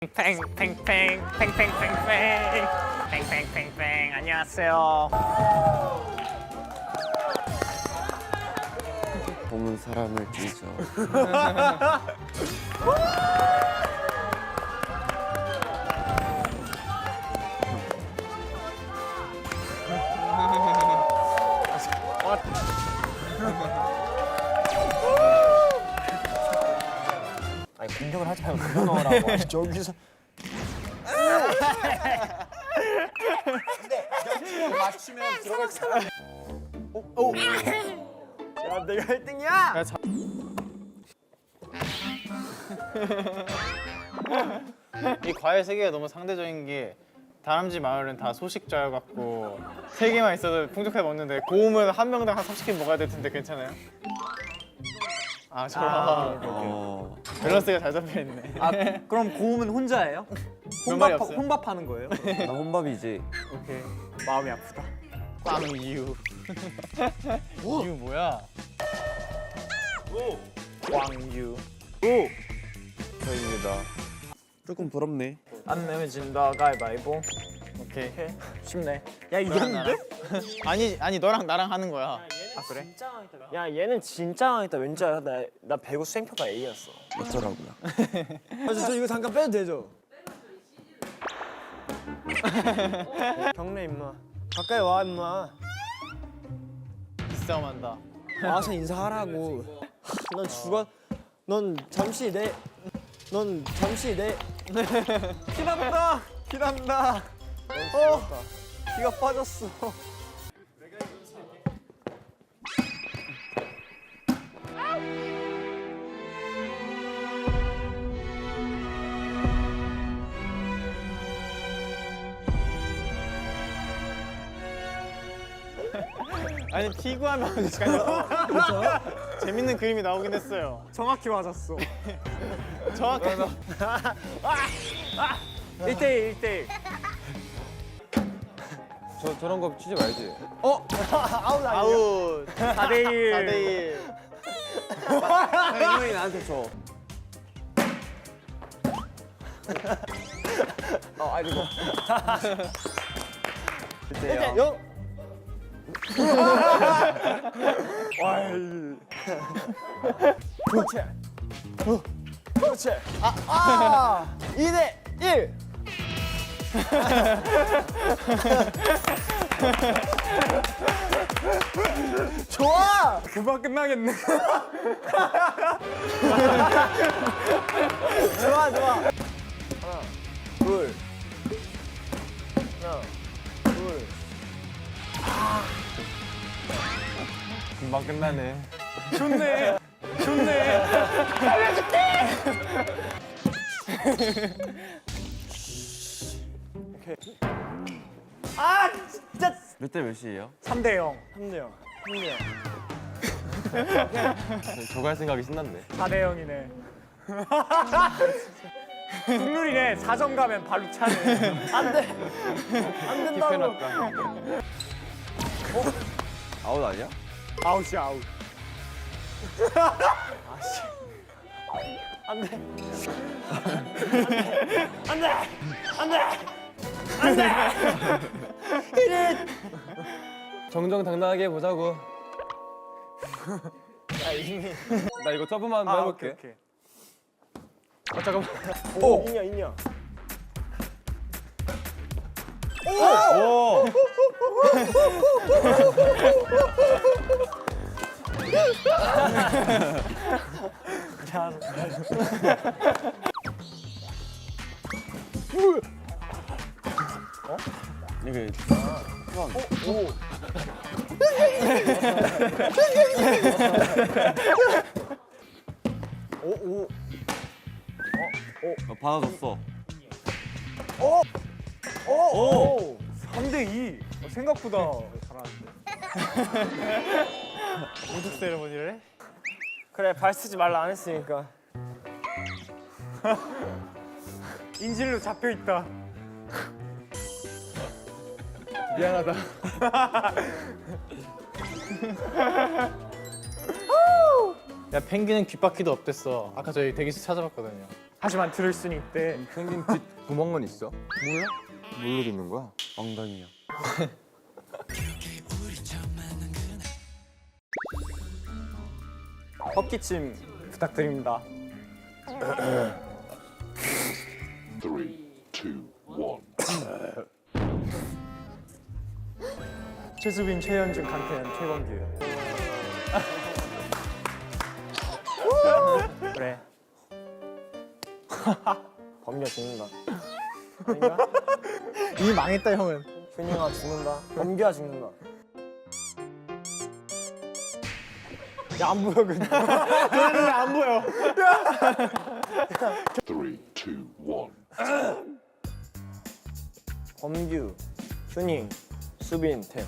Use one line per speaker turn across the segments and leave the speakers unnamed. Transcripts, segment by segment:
팽팽팽팽팽팽팽팽팽팽팽팽 안녕하세요.
보는 사람을 뒤져.
아니 공격을 하지 말고 그거 넣으라고. 아니, 저기서. 근데 맞추면 들어갈 사람. 오. 야 내가 1등이야.
이 과일 세계가 너무 상대적인 게 다람쥐 마을은 다 소식자여갖고 3개만 있어도 풍족하게 먹는데 고음은 한 명당 한 30개 먹어야 될 텐데 괜찮아요? 아 저런 밸런스가 잘 잡혀있네.
아 그럼 고음은 혼자예요?
몇 마리 없어요?
혼밥하는 거예요?
나 혼밥이지.
오케이.
마음이 아프다.
빵 이유. 이유 뭐야?
왕유.
저입니다. 조금 부럽네.
안 내면 진다 가위바위보.
오케이.
쉽네.
야 이겼는데?
아니 너랑 나랑 하는 거야.
아 그래?
야 얘는 진짜 망했다. 왠지 알아? 나 배구 수행평가 A였어.
어쩌라고요?
저 이거 잠깐 빼도 되죠? 경례 임마. 가까이 와 임마.
싸움한다.
와서 인사하라고. 넌 죽어. 넌 잠시 내. 피난다. 피난다. 피가 빠졌어.
아니 피구하면 잠깐요. 재밌는 그림이 나오긴 했어요.
정확히 맞았어.
정확하게.
1대1 1대1.
저런 거 치지 말지.
아웃 아니야?
아웃.
4대1.
4대1.
형이 나한테 줘.
아이고.
1대0.
0. 그렇지. 그렇지. 2대1. 좋아.
금방 끝나겠네.
좋아 좋아. 하나, 둘. 하나, 둘.
금방 끝나네.
좋네. 좋네.
아 진짜.
몇 대 몇이에요?
3대 0.
3대0. 3대0.
저거 할 생각이 신났네.
4대 0이네. 국룰이네. 4점 가면 발로 차네.
안 돼. 안 된다고.
아웃 아니야?
아웃이야 아웃.
안 돼. 안 돼. 안 돼. 안 돼.
정정당당하게 해보자고. 나 이거 서브만 한번 해볼게.
오케이.
잠깐만. 오. 있냐.
오! 이게
오.
받아줬어.
오.
3대 2. 생각보다 잘하는데.
우뚝 세레머니를 해?
그래 발 쓰지 말라 안 했으니까.
인질로 잡혀 있다.
미안하다. 야 펭귄은 귓바퀴도 없댔어. 아까 저희 대기실 찾아봤거든요.
하지만 들을 수는 있대.
생긴 뒷 구멍은 있어? 몰라? 뭘로 듣는 거야?
엉덩이요.
헛기침 부탁드립니다.
3, 2, 1.
최수빈, 최현준, 강태현, 최범규. 그래.
범규가 죽는다.
아닌가?
이미 망했다 형은.
휴닝아 죽는다. 범규가 죽는다.
야, 안 보여 근데.
너는 왜안 보여?
3, 2, 1.
범규, 휴닝, 수빈, 태연.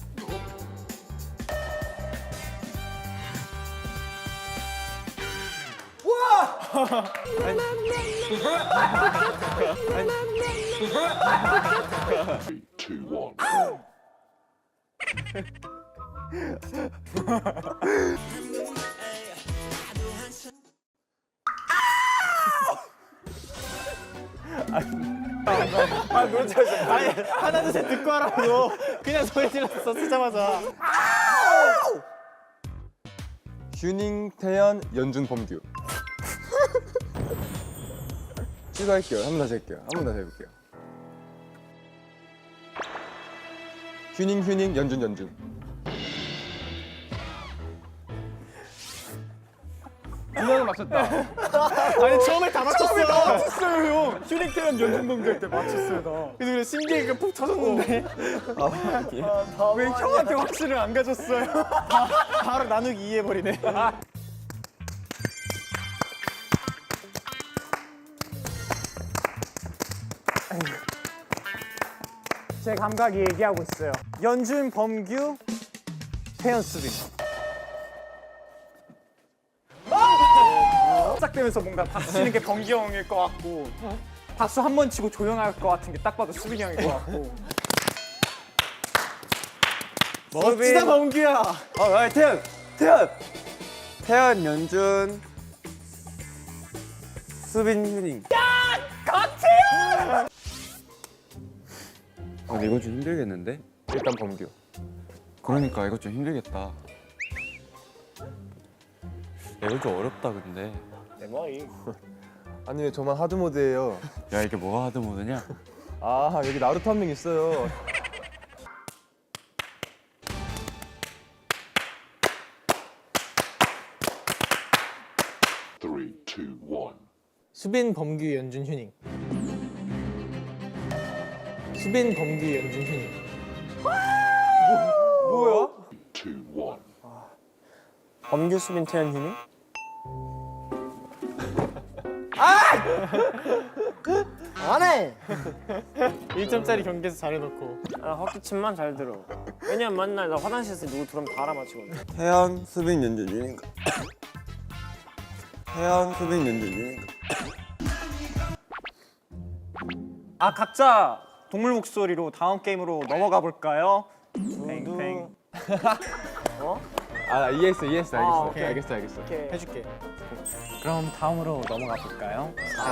Three, two, one.
아니 하나 둘 셋 듣고 하라고. 그냥 소리 질렀어 쓰자마자.
휴닝, 태연, 연준, 범규. 추가할게요. 한 번 다시 할게요. 한 번 다시 해볼게요. 휴닝, 연준, 연준. 두 명은 맞췄다.
아니 처음에 다 맞췄어.
맞췄어요 형. 휴닝, 태현, 연준, 범규 할 때 맞췄어요 나.
그래서 그래 심지어 푹 터졌는데
왜 형한테 확신을 안 가졌어요?
바로 나누기 2 해버리네.
제 감각이 얘기하고 있어요. 연준, 범규, 태연, 수빈. 시작되면서 뭔가 박수 치는 게 범규 형일 것 같고 박수 한 번 치고 조용할 것 같은 게 딱 봐도 수빈이 형일 것 같고.
멋지다 범규야.
태연, 연준, 수빈, 휴닝.
근데 이건 좀 힘들겠는데?
일단 범규.
그러니까 이거 좀 힘들겠다. 이거 좀 어렵다 근데.
내 머리.
아니 왜 저만 하드 모드예요?
야 이게 뭐가 하드 모드냐?
아 여기 나루토 한 명 있어요.
Three, two, one.
수빈 범규 연준 휴닝. 수빈 범규 연준 휴닝.
뭐야?
Two, one.
범규, 수빈, 태연, 휴닝. 안 해!
1점짜리 경기에서 잘해놓고.
아, 헛기침만 잘 들어. 왜냐면 맨날 나 화장실에서 누구 들어오면 다 알아맞히거든.
태연, 수빈, 연준, 유닝. 태연, 수빈, 연준, 유닝.
아 각자 동물 목소리로 다음 게임으로 넘어가 볼까요? 팽팽.
아 이해했어 알겠어.
오케이.
알겠어.
이렇게
해줄게.
그럼 다음으로 넘어가 볼까요?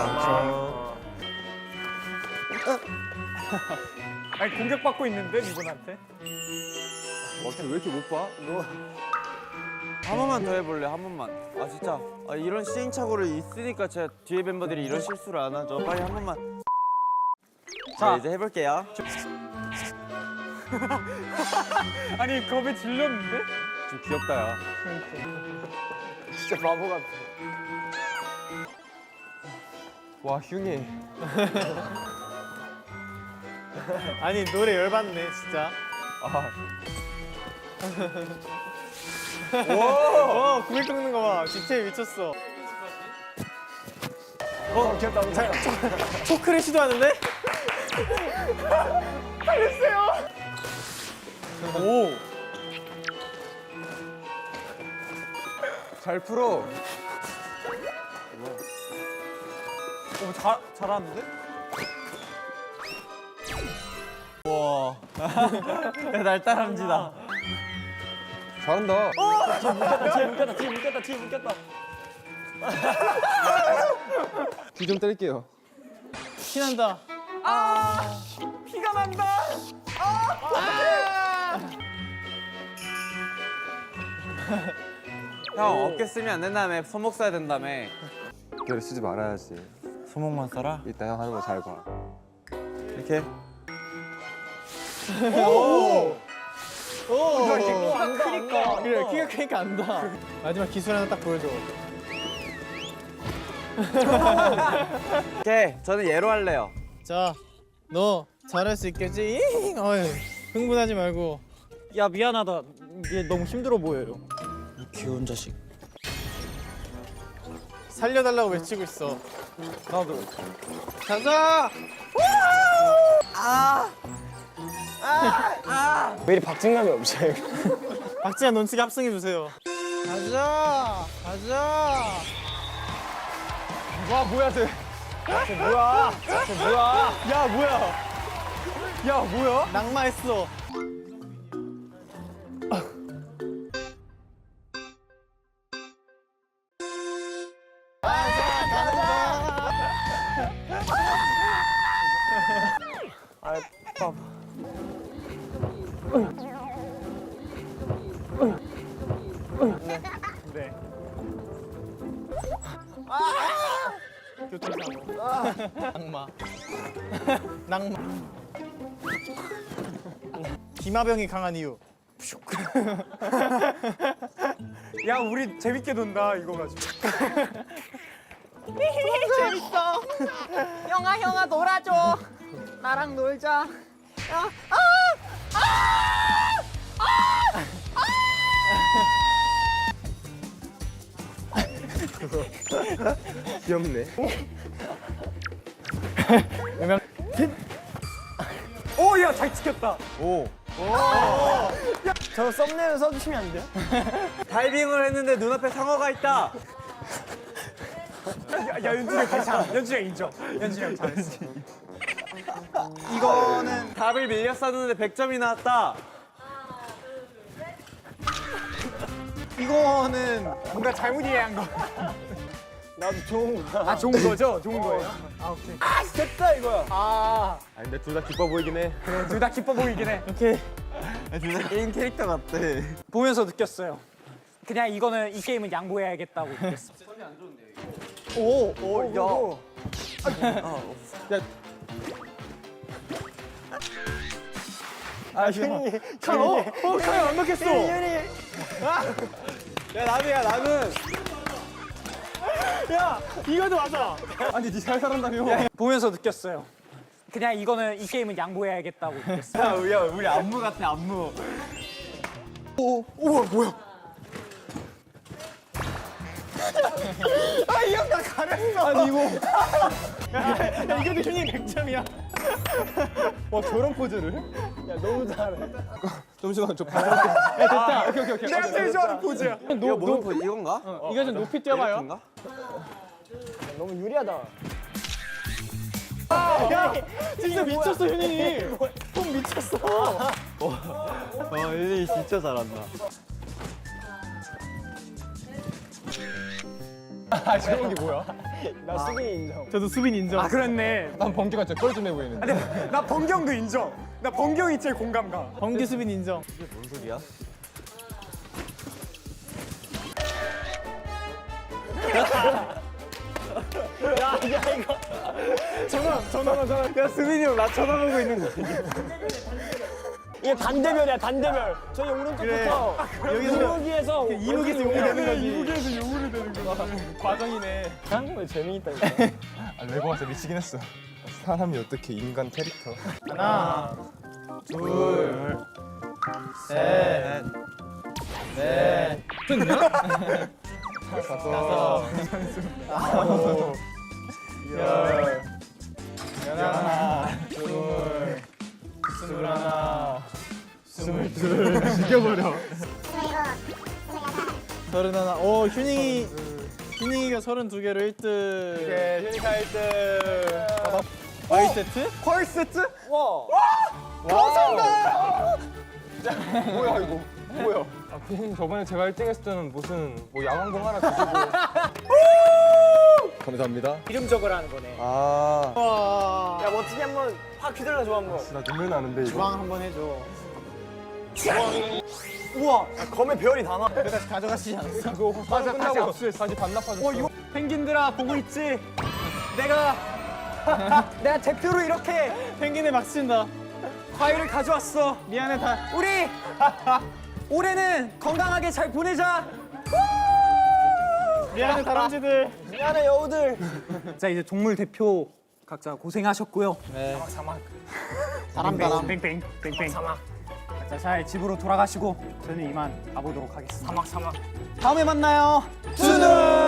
아니 공격받고 있는데 이분한테?
왜 이렇게 못 봐?
한 번만 더 해볼래 한 번만. 아 진짜 이런 시행착오를 있으니까 제가 뒤에 멤버들이 이런 실수를 안 하죠. 빨리 한 번만. 자 이제 해볼게요.
아니 겁에 질렸는데?
좀 귀엽다 야.
진짜 바보 같아.
와 휴니.
아니 노래 열받네 진짜. 오, 구글 꺾는 거 봐. 디테일 미쳤어.
귀엽다.
초크를 시도하는데?
잘 풀어.
잘하는데?
야, 날 따라합니다.
잘한다.
뒤에 묶였다.
귀 귀 좀 때릴게요.
피난다.
피가 난다.
형 어깨 쓰면 안 된다며. 손목 써야 된다며.
어깨를 쓰지 말아야지.
손목만 써라.
이따 형 하는 거 잘 봐.
이렇게.
키가 크니까.
그래 키가 크니까 안다. 마지막 기술 하나 딱 보여줘.
오케이. 저는 얘로 할래요.
자, 너 잘할 수 있겠지? 잉! 어이, 흥분하지 말고.
야 미안하다. 이게 너무 힘들어 보여요.
귀여운 자식.
살려달라고 외치고 있어.
나도.
가자!
왜 이리 박진감이 없어요?
박지한 논치기 합성해 주세요. 가자! 가자!
와 뭐야 쟤? 쟤 뭐야? 쟤 뭐야?
야 뭐야?
야 뭐야?
낙마했어.
네.
교통사고. 낙마. 낙마. 기마병이 강한 이유.
야 우리 재밌게 논다 이거 가지고.
형아 놀아줘. 나랑 놀자.
귀엽네.
오야 잘 지켰다.
저 썸네일 써주시면 안 돼요?
다이빙을 했는데 눈앞에 상어가 있다.
야 연준이 형 괜찮아. 연준이 형 인정. 연준이 형 잘했어.
이거는 답을 밀렸었는데 100점이 나왔다.
이거는 뭔가 잘못 이해한 거.
나도 좋은 거.
아 좋은 거죠? 좋은 거예요. 아 오케이.
됐다 이거야.
아
아 근데 둘 다 기뻐 보이긴 해.
그래 둘 다 기뻐 보이긴 해.
오케이.
진짜 게임 캐릭터 같대.
보면서 느꼈어요. 그냥 이거는 이 게임은 양보해야겠다고 느꼈어.
오 야. 아 현이.
카이 완벽했어.
현이.
야 나는
이거도 맞아.
아니 니 잘 살았다며.
보면서 느꼈어요. 그냥 이거는 이 게임은 양보해야겠다고 느꼈어.
야 우리 안무 같아 안무.
우와 뭐야? 아 이 형 나 가렸어. 아니 이거.
야 이것도 휴닝 100점이야.
와 저런 포즈를?
야 너무 잘해.
잠시만 저 바로. 오케이.
내가 제일 좋아하는 포즈야.
이거 무슨 포즈 이건가?
이거 좀 높이 뛰어봐요.
이렇게인가?
너무 유리하다.
진짜 미쳤어 휴닝이. 형 미쳤어.
일이 진짜 잘한다.
아 제목이 뭐야?
나 수빈 인정.
저도 수빈 인정.
아 그렇네.
난 번개가 진짜 뻘쭘해 보이는데.
근데 나 번경도 인정. 나 번경이 제일 공감가.
범기 수빈 인정.
뭔 소리야?
야 수빈이 형 나 쳐다보고 있는 거. 이게 단대별이야 단대별. 저기 오른쪽부터 이무기에서
이무기에서 용이 되는 거지.
이무기에서 용으로 되는 거야.
과정이네. 한국에 재미있다 이거.
아 레고 와서 미치긴 했어. 사람이 어떻게 인간 캐릭터?
하나, 둘, 셋, 넷, 다섯, 아홉, 열, 열하나, 둘, 스물하나, 스물둘,
죽여버려.
서른하나. 오 휴닝이가 32개로 1등.
오케이 휴니카 1등.
과일 세트?
펄 세트?
와.
뭐야 이거? 뭐야? 아 그냥 저번에 제가 1등 했을 때는 무슨 뭐 야광봉 하나 주시고. 감사합니다.
이름 적으라는 거네.
아,
야 멋지게 한번 확 휘둘러 줘 한번.
나 눈물 나는데 이거.
주방 한번 해줘.
우와. 검에 별이 다 나.
다시 가져가시지 않았어?
맞아, 다시 압수했어.
다시 반납하셨어.
이거 펭귄들아 보고 있지? 내가 내가 대표로 이렇게
펭귄을 막 친다.
과일을 가져왔어.
미안해 다.
우리 올해는 건강하게 잘 보내자.
미안해 다람쥐들.
미안해 여우들.
자 이제 동물 대표 각자 고생하셨고요.
다람.
뺑뺑 사막. 자 잘 집으로 돌아가시고 저는 이만 가보도록 하겠습니다.
사막.
다음에 만나요. 준우.